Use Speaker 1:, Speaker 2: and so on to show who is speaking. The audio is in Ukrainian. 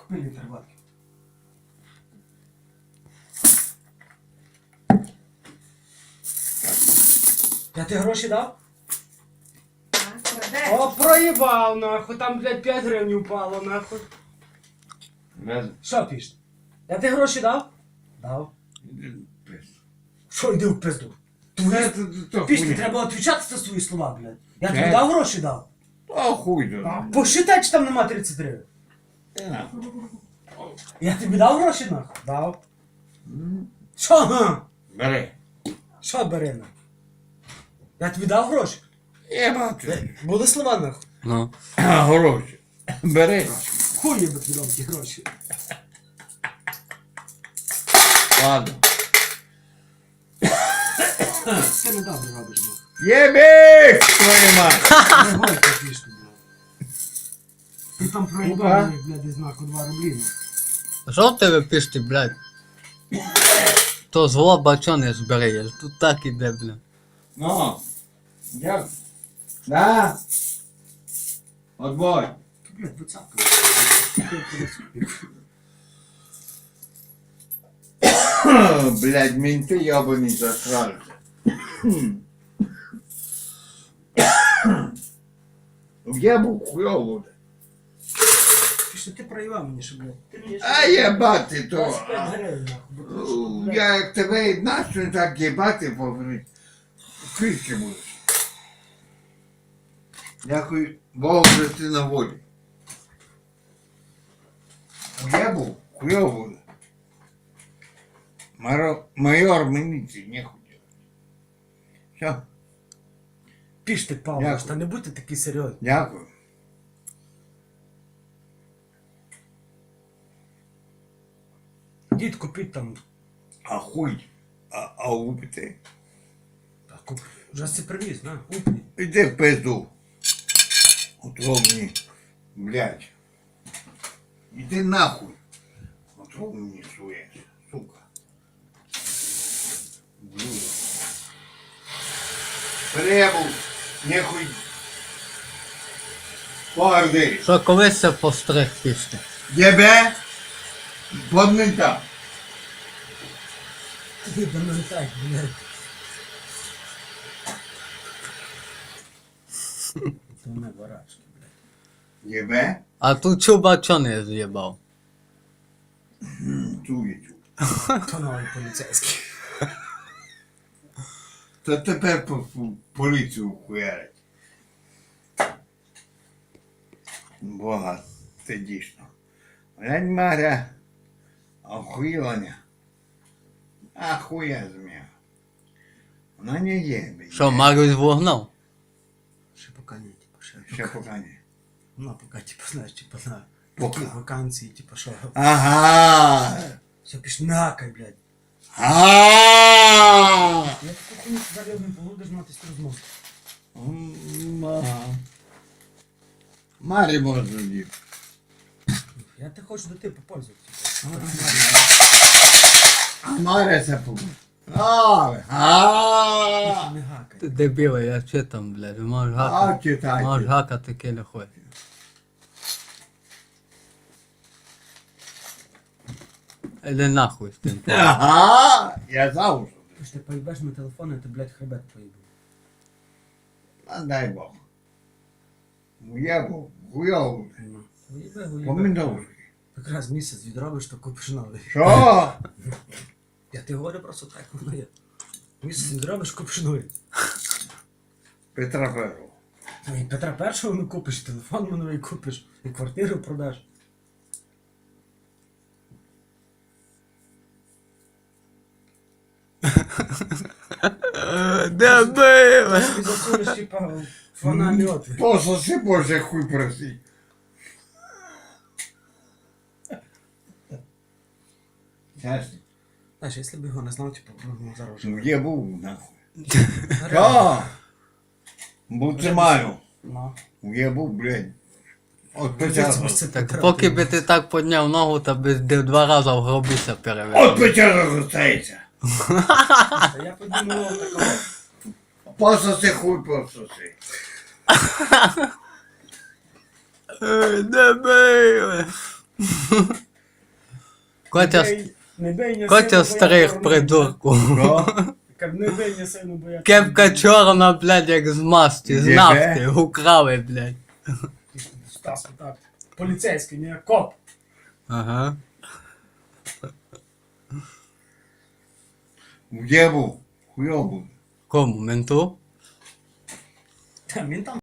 Speaker 1: Купи літр водки. Я ти гроші дав? О, проїбав, нахуй, там, блядь, 5 гривень упало, нахуй. Що пішли? Я ти гроші дав? Дав. Що йди в пизду? Пішли, треба відповідати за свої слова, блядь. Я тобі дав гроші дав?
Speaker 2: А хуй тут.
Speaker 1: Посчитай, чи там нема 30 гривень. Я тобі дав гроші, нахуй? Дав. Що, га?
Speaker 2: Бери.
Speaker 1: Що бери, нахуй? Я тобі дав гроші?
Speaker 2: Я бачу.
Speaker 1: Були слова, нахуй.
Speaker 3: Ну.
Speaker 2: Гроші. Бери.
Speaker 1: Хуй я би тобі дав ті гроші.
Speaker 2: Ладно.
Speaker 1: Це не добре робиш, нахуй.
Speaker 2: Єбіш, твою мать.
Speaker 1: Не гой ти пішли, блядь. Ти там проїбав мені, блядь, із знаку 2 рублі, нахуй.
Speaker 3: Що в тебе пішти, блядь? То зло бачоне збереєш, тут так іде, блядь.
Speaker 2: Ну. Дякую. Да. Отбой.
Speaker 1: Блядь, вицапка.
Speaker 2: Блядь, менты ебаные засрались. Я був хуйово.
Speaker 1: Пішли, ти проїбав мені, що, блядь. Ти мені
Speaker 2: А єбати то.
Speaker 1: 25 гривень, нахуй. бо ти що, блядь.
Speaker 2: Я як тебе начну так єбати, поговорить. Фішки будеш. Дякую Богу, що ти на волі. Я був хуйово. Майор міліції не хотів. Все,
Speaker 1: Піш ти, Павло,
Speaker 2: Дякую.
Speaker 1: та не будьте такі серйозні.
Speaker 2: дякую.
Speaker 1: Дід купіть там.
Speaker 2: А хуй, а упити.
Speaker 1: Та куп. Вже си привіз, на, купні.
Speaker 2: Іди в пизду. Отровні, блядь. Іди нахуй. Отровні суєш, сука. Блюдо. Перебув, нехуй. Погорди.
Speaker 3: Що колись це постриг пішти?
Speaker 2: Єбе? Подмінта.
Speaker 1: Ти до мене так, блядь. Це не барашки, блядь.
Speaker 2: Єбе?
Speaker 3: А тут чубачоне з'їбав.
Speaker 2: Чує.
Speaker 1: То новий поліцейський.
Speaker 2: То тепер поліцію хуярить. Бога, це дійсно. Глянь, Маря, охуєвання. Ахуя змія. Вона не є, блядь.
Speaker 3: Що, Марюсь вогнав?
Speaker 1: Ще поки ні, типу, ще.
Speaker 2: Ще поки не.
Speaker 1: Ну, поки, типу, знаєш, типу, на
Speaker 2: Поки.
Speaker 1: такі вакансії, типу, що.
Speaker 2: Ага.
Speaker 1: Все, пішли, не гакай, блядь.
Speaker 2: Ага.
Speaker 1: Я таку хуйню зараз не будеш мати з розмов.
Speaker 2: Марі можна діти.
Speaker 1: Я те хочу до тебе попользуватися.
Speaker 2: Маря це побуде. А.
Speaker 1: Не гакай.
Speaker 3: Ти дебіле, я читам, блядь, можеш
Speaker 2: А,
Speaker 3: гакати.
Speaker 2: читайте.
Speaker 3: Можеш гакати кіле хуй. Іди нахуй з тим.
Speaker 2: Ага. Я завжди.
Speaker 1: Ти ж ти поїбеш на телефон, і ти, блядь, хребет поїбав.
Speaker 2: А дай Бог. Я був хуйовий.
Speaker 1: Ну, уїбе, уїбе.
Speaker 2: Помідорки.
Speaker 1: Якраз місяць відробиш, то купиш новий.
Speaker 2: Що?
Speaker 1: Я ти говорю просто так, воно є. Місяць відробиш, купиш новий.
Speaker 2: Петра Первого.
Speaker 1: Ну і Петра Першого не купиш, і телефон новий купиш, і квартиру продаш.
Speaker 3: Дебіле!
Speaker 1: Ти засунеш, типа, фонарі отвір.
Speaker 2: Пососи Боже хуй проси. Чесно.
Speaker 1: Знаєш, якщо б його не знав, типу, ну, зараз вже.
Speaker 2: Ну я був нахуй.
Speaker 1: Реально.
Speaker 2: Що? Бо це маю.
Speaker 1: Ну.
Speaker 2: Я був, блядь. От
Speaker 1: Це
Speaker 2: початку.
Speaker 1: ж це
Speaker 3: Так
Speaker 1: Петра,
Speaker 3: поки
Speaker 1: ти-
Speaker 3: би ти так підняв ногу, то би 2 рази в гробіся
Speaker 2: От
Speaker 3: перевели.
Speaker 2: початку зостається.
Speaker 1: Та я подумав такого.
Speaker 2: Пососи хуй пососи.
Speaker 3: Дебіле! Котя,
Speaker 1: Не бий, не
Speaker 3: Котя
Speaker 1: сильно, бо я
Speaker 3: старих
Speaker 1: чорний.
Speaker 3: придурку.
Speaker 1: Кажу, не бий, не сильно, бо я
Speaker 3: Кепка
Speaker 1: чорний.
Speaker 3: чорна, блядь, як з масті, з
Speaker 2: Єбе.
Speaker 3: нафти, украли, блядь.
Speaker 1: Стас, так. Поліцейський, не коп.
Speaker 3: Ага.
Speaker 2: Где був? Хуйово.
Speaker 3: Кому, менту?
Speaker 1: Та він там